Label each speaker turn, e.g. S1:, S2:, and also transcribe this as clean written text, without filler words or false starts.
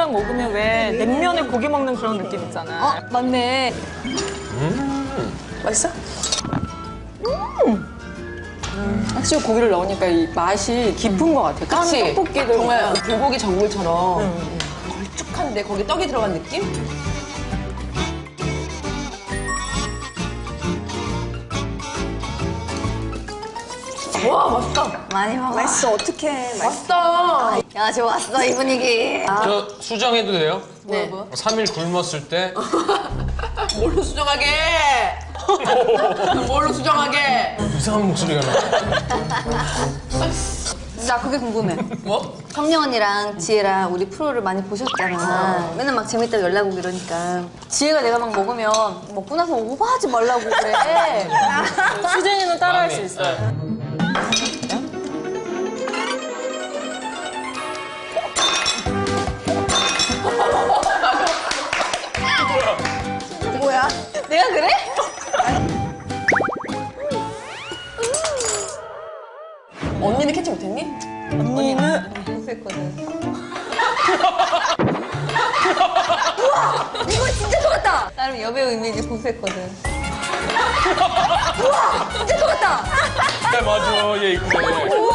S1: 딱 먹으면 왜 냉면에 고기 먹는 그런 느낌 있잖아.
S2: 맞네.
S3: 맛있어? 확실히 고기를 넣으니까 이 맛이 깊은 것 같아. 깐
S2: 그치?
S3: 떡볶이들
S2: 정말 불고기 전골처럼 걸쭉한데 거기 떡이 들어간 느낌? 와, 맛있다.
S4: 많이 먹어.
S3: 맛있어. 어떡해.
S2: 맛있다.
S4: 야, 좋았어, 이 분위기.
S5: 저 수정해도 돼요?
S2: 네.
S5: 3일 굶었을 때
S2: 뭘로 수정하게? 뭘로 수정하게?
S5: 이상한 목소리가 나.
S4: 나 그게 궁금해.
S2: 뭐?
S4: 성령 언니랑 지혜랑 우리 프로를 많이 보셨잖아. 맨날 막 재밌다고 연락 오고 이러니까. 지혜가 내가 막 먹으면 먹고 나서 오버하지 말라고 그래.
S1: 수진이는 따라할 수
S5: 마음이,
S1: 있어.
S5: 네.
S4: 뭐야? 내가 그래?
S2: 언니는 캐치 못했니?
S1: 언니는
S4: 공수했거든. 우와! 이거 진짜 좋았다! 나름 여배우 이미지 공수했거든. 우와! 진짜 좋았다!
S5: 네, 맞아. 얘 이쁘네.